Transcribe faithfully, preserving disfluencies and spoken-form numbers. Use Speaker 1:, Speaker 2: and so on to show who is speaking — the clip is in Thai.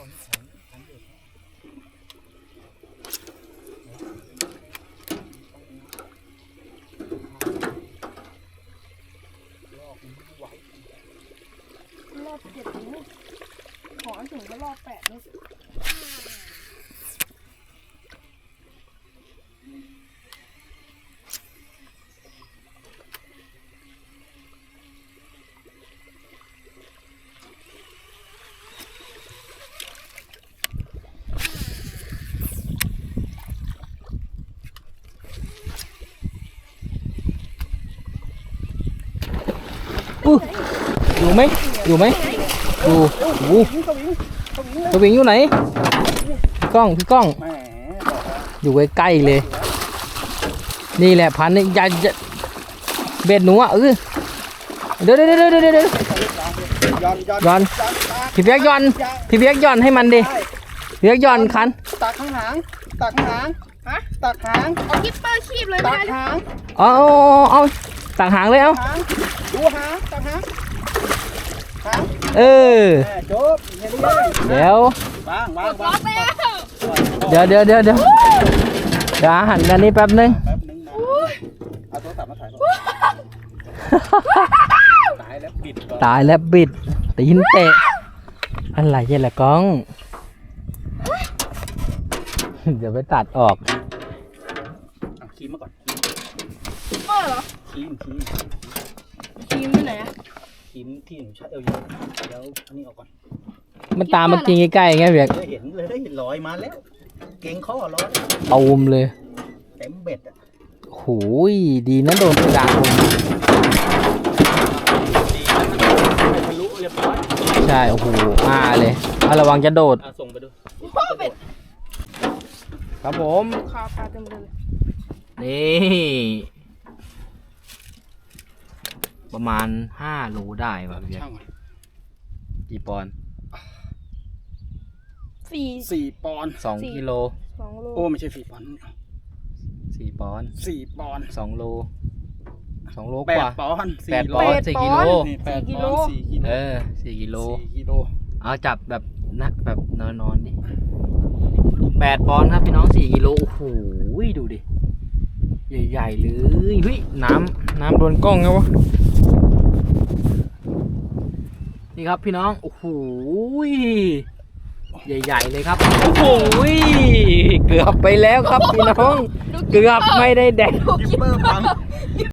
Speaker 1: รอบเจ็ดนิ้วขอถึงก็รอบแปดนิ้ว
Speaker 2: อยู่ไหมอยู่ไหมอยู่โอ้สวิงอยู่ไหนพี่ก้องพี่ก้องอยู่ใกล้ๆเลยนี่แหละพันนี่อย่าเบ็ดหนูอ่ะเออเดี๋ยวเดี๋ยวเดี๋ยวเดี๋ยวเดี๋ยวย้อนพี่เบียกย้อนพี่เบียกย้อนให้มันดิพี่เบียกย้อนคัน
Speaker 3: ตักข้างหางตักข้างหางฮะตักหาง
Speaker 1: เอาคิปเปอร์คีบเลย
Speaker 3: ตักหาง
Speaker 2: เอาเอาตักหางเลยเอา
Speaker 3: ดูหางตักหาง
Speaker 2: เออ
Speaker 3: จบ
Speaker 2: เดี๋ยว
Speaker 3: วางวางวาง
Speaker 2: เดี๋ยวเดี๋ยวเดี๋ยวเดี๋ยวเดี๋ยวหันด้านนี้แป๊บนึง
Speaker 3: แป๊บนึงนะเอาโทรศัพท์มาถ่ายก่อนตายแล้วบิด
Speaker 2: ตายแล้วบิดตีนเตะอะไรเนี่ยแหละก้องเดี๋ยวไปตัดออก
Speaker 3: เอาครีมมาก่อน
Speaker 1: เปอร์เหรอ
Speaker 3: ครีมครีม
Speaker 1: ครีมที่ไหนอะ
Speaker 3: ครีมที่หนูใช้เอวอยู่เดี๋ยวอันนี้ออกก่อน
Speaker 2: มันตามมากินใกล้ๆไงเบียก
Speaker 3: เห็นเลยได้เห็นรอยมาแล้วเก่งข้อร้อย
Speaker 2: ตูมเลย
Speaker 3: เต็มเบ็ดอ่ะ
Speaker 2: โหยดีนะโดนกระดาษผม
Speaker 3: ทะลุเรียบร้อย
Speaker 2: ใช่โอ้โหอ่าเลยเอาระวังจะโดด
Speaker 3: ส่งไปดู
Speaker 2: ครับผม
Speaker 1: คาปลาเต็มเลย
Speaker 2: นี่ประมาณห้าโลได้ป่ะพี่เบียกกี่ปอนด์
Speaker 1: สี่
Speaker 3: สี่ปอนด์
Speaker 2: สองกิโล
Speaker 1: สองโล
Speaker 3: โอ้ไม่ใช่สี่ปอนด์
Speaker 2: สี่ปอนด์
Speaker 3: สี่ปอนด์
Speaker 2: สองโลสองโล
Speaker 3: แป
Speaker 2: กว่า
Speaker 3: ดปอนด์
Speaker 2: แปดปอนด์สี่กิโล
Speaker 3: แปดปอนด์สี่กิโล
Speaker 2: เออสี่กิโล
Speaker 3: สี่กิโล
Speaker 2: เอาจับแบบนะแบบนอนนอนดิแปดปอนด์ครับพี่น้องสี่กิโลโอ้โหดูดิใหญ่ๆเลยเฮ้ยน้ำน้ำโดนกล้องไงวะนี่ครับพี่น้องโอ้โหใหญ่ๆเลยครับโอ้โหเกือบไปแล้วครับพี่น้องเกือบไม่ได้แดก